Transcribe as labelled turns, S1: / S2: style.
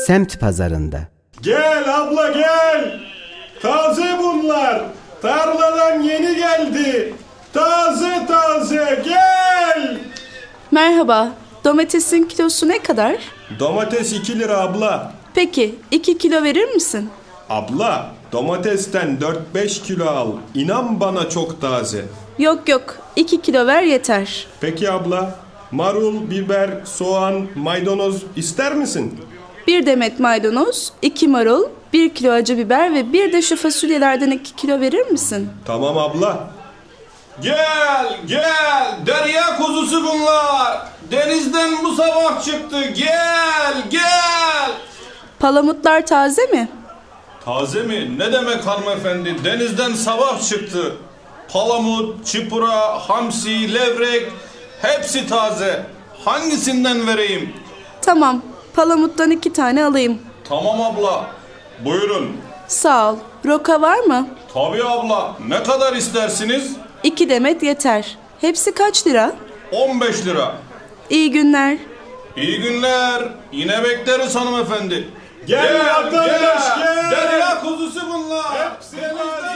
S1: semt pazarında.
S2: Gel abla gel. Taze bunlar. Tarladan yeni geldi. Taze taze gel.
S3: Merhaba. Domatesin kilosu ne kadar?
S2: Domates 2 lira abla.
S3: Peki 2 kilo verir misin?
S2: Abla domatesten 4-5 kilo al. İnan bana çok taze.
S3: Yok 2 kilo ver yeter.
S2: Peki abla. Marul, biber, soğan, maydanoz ister misin?
S3: 1 demet maydanoz, 2 marul, 1 kilo acı biber ve bir de şu fasulyelerden 2 kilo verir misin?
S2: Tamam abla.
S4: Gel gel, derya kuzusu bunlar. Denizden bu sabah çıktı. Gel.
S3: Palamutlar taze mi?
S4: Taze mi? Ne demek hanımefendi? Denizden sabah çıktı. Palamut, çipura, hamsi, levrek hepsi taze. Hangisinden vereyim?
S3: Tamam, palamuttan 2 tane alayım.
S4: Tamam abla. Buyurun.
S3: Sağ ol. Roka var mı?
S4: Tabii abla. Ne kadar istersiniz?
S3: 2 demet yeter. Hepsi kaç lira?
S4: 15 lira.
S3: İyi günler.
S4: İyi günler. Yine bekleriz hanımefendi.
S2: Gel vatandaş, gel.
S4: Derya kuzusu bunlar.
S2: Hepsi taze.